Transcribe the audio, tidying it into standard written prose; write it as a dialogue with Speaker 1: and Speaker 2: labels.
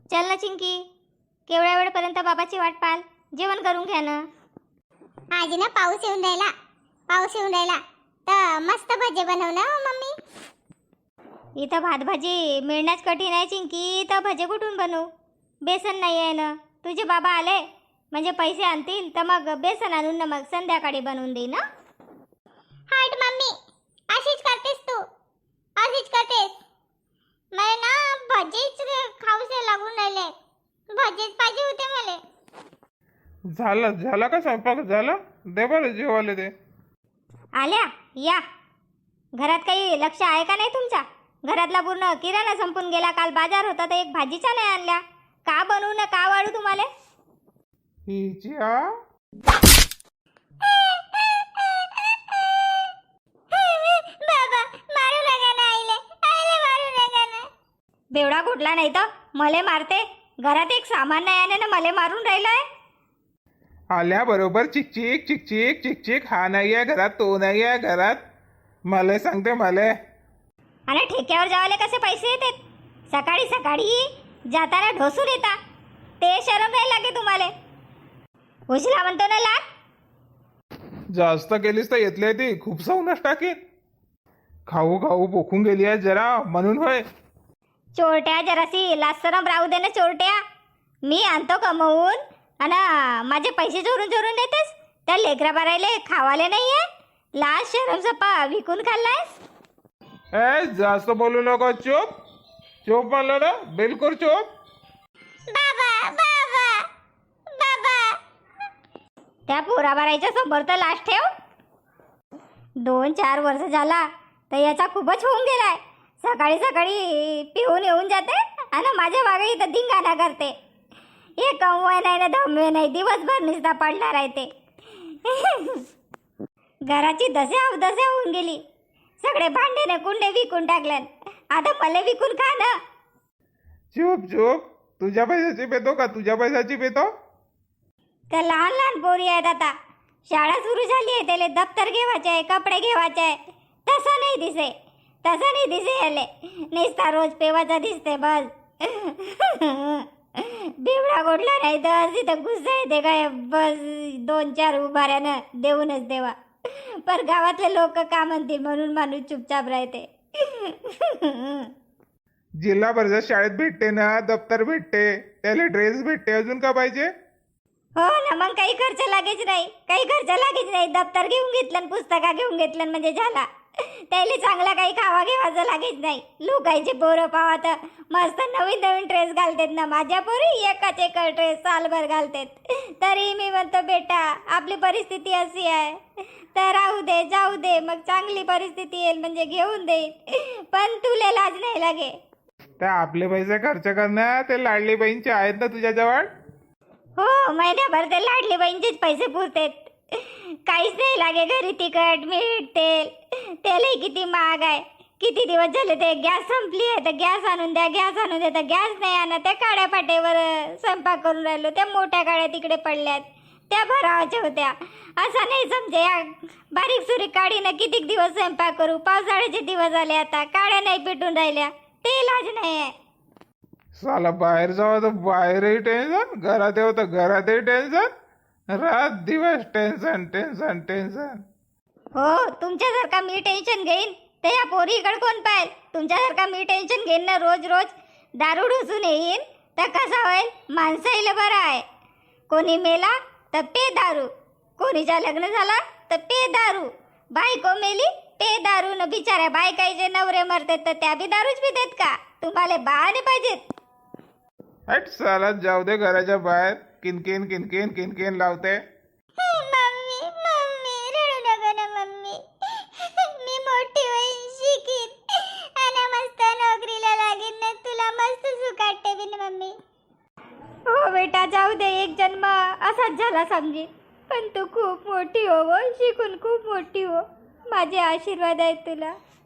Speaker 1: चल ना चिंकी, केवढ्या वेळपर्यंत बाबाची वाट पाहाल? जेवण करून घ्या ना.
Speaker 2: आज ना पाऊस येऊन राहिला तर मस्त भजे बनव ना हो मम्मी.
Speaker 1: इथं भात भाजी मिळण्याच कठीण आहे चिंकी, तर भजे कुठून बनवू? बेसन नाही आहे ना. तुझे बाबा आले म्हणजे पैसे आणतील तर मग बेसन आणून ना मग संध्याकाळी बनवून देईन ना.
Speaker 2: हट मम्मी, अशीच करतेस तू, अशीच करतेस. मला ना भजेच खाऊसे लागून राहिले, भजेच पाहिजे होते मला.
Speaker 3: झाला का स्वयंपाक झाला? दे बरं जेवायला दे.
Speaker 1: आल्या या. घरात काही लक्ष आहे का नाही तुमच्या? घरातला पूर्ण किराणा संपून गेला. काल बाजार होता तर एक भाजीच्या नाही आणल्या. का बनवू ना का वाढू तुम्हाला?
Speaker 3: हिच्या
Speaker 2: बाबा मारू नका ना आईले, आईले मारू नका ना.
Speaker 1: बेवडा घोटला नाही तर मले मारते. घरात एक सामान नाही आहे ना मले मारून राहिलाय.
Speaker 3: आल्याबरोबर चिकचिक चिकचिक चिकचिक. हा नाही आहे घरात, तो नाही आहे घरात. मला सांगते मला.
Speaker 1: आणि ठेक्यावर जावाले कसे पैसे येतात? सकाळी सकाळी जाताना ढोसून येता. ते शरम नाही लागे तुम्हाला? उचला म्हणतो ना लाग.
Speaker 3: जास्त केलीस तर येतले ती खूप साऊनच टाकीन. खाऊ खाऊ बोखून गेली आहे जरा म्हणून होय.
Speaker 1: चोरट्या जरासी लाजसरम राहू दे ना चोरट्या. मी आणतो कमवून आणि माझे पैसे चोरून चोरून देतेस. त्या लेकरा बारायले खावाले नाही आहे. लाज शरम सपा विकून खाल्लायस.
Speaker 3: ए जास्त बोलू नको. चुप चुप म्हणलं ना, बिलकुल चुप.
Speaker 2: बाबा बाबा बाबा.
Speaker 1: त्या पोराबारायच्या समोर तर लाज ठेव. 2-4 वर्ष झाला तर याचा खूपच होऊन गेलाय. सकाळी सकाळी पिऊन येऊन जाते आणि माझ्या मागे इथं धिंगाणा करते. हे कमवाय नाही ना धमवे नाही, दिवसभर निस्ता पडला राहते. घराची दसे अवदसे होऊन गेली. सगळे भांडे ने कुंडे विकून टाकले. आता मला विकून खा ना.
Speaker 3: चुप चुप. तुझ्या पैशाची पेतो का? तुझ्या पैशाची पेतो?
Speaker 1: त्या लहान लहान पोरी आहेत. आता शाळा सुरू झाली आहे, त्याला दप्तर घेवायचे आहे, कपडे घेवायचे आहे. तसं नाही दिसे, तसं नाही दिसे. याले निस्ता रोज पेवाचा दिसते बस. बिवडा गोडला नाही तर तिथं गुस्सा येते काय बस. 2-4 उभाऱ्यानं देऊनच देवा. पर गावातले लोक का म्हणतील म्हणून माणूस चुपचाप राहते.
Speaker 3: जिल्हा परिषद शाळेत भेटते ना, दप्तर भेटते, त्याला ड्रेस भेटते. अजून का पाहिजे?
Speaker 1: हो ना, मग काही खर्च लागेच नाही, काही खर्च लागेच नाही. दप्तर घेऊन घेतलं, पुस्तका घेऊन घेतलं म्हणजे झाला. त्याला चांगला काही खावा घेवायचं लागेच नाही. लोकांचे पोरं पावा तर मस्त नवीन नवीन ड्रेस घालतात ना. माझ्या पोरी एकाच एक ड्रेस सालभर घालतात. तरी मी म्हणतो बेटा आपली परिस्थिती अशी आहे तर राहू दे, जाऊ दे. मग चांगली परिस्थिती येईल म्हणजे घेऊन देईल. पण तुला लाज नाही लागे?
Speaker 3: त्या आपले पैसे खर्च करणार ते लाडली बहीणचे आहेत ना तुझ्याजवळ.
Speaker 1: हो, महिन्याभर ते लाडली बहीणचेच पैसे पुरतात. काहीच नाही लागे घरी. तिखट मीठ तेल, तेलही किती महाग आहे. किती दिवस झाले ते गॅस संपली आहे तर गॅस आणून द्या, गॅस आणून द्या. तर गॅस नाही आणा. त्या काड्या पाट्यावर स्वयंपाक करून राहिलो. त्या मोठ्या काड्या तिकडे पडल्यात, त्या भरावाच्या होत्या. असं नाही समजे. या बारीक सुरीक काडीनं किती दिवस स्वयंपाक करू? पावसाळ्याचे दिवस आले, आता काड्या नाही पेटून राहिल्या. ते इलाज नाही आहे.
Speaker 3: साला बाहेर जावं तर बाहेरही टेन्शन, घरात येऊ तर घरातही टेन्शन. रात दिवस टेन्शन टेन्शन टेन्शन.
Speaker 1: हो, तुमच्यासारखा मी टेन्शन घेईन तर या पोरीकडे कोण पाहिल? तुमच्यासारखा मी टेन्शन घेईन ना रोज रोज दारू ढोसून येईन तर कसा होईल? माणसाईला बरं आहे. कोणी मेला तर पे दारू, कोणीच्या लग्न झाला तर पे दारू, बायको मेली पे दारू. न बिचाऱ्या बायकाईचे नवरे मरतात तर त्या बी दारूच पितात का? तुम्हाला बहाणे पाहिजेत.
Speaker 3: हट साला, जाऊ दे घराच्या बाहेर. किनकिन किनकिन किनकिन लावते.
Speaker 2: मम्मी मम्मी रडू नका ना मम्मी. मी मोठी होईन, शिकीन आणि मस्त नोकरीला लागेन ना. तुला मस्त सुखाट ठेवीन मम्मी.
Speaker 1: हो बेटा, जाऊ दे. एक जन्म असाच झाला समजी. पण तू खूप मोठी हो, शिकून खूप मोठी हो. माझे आशीर्वाद आहेत तुला.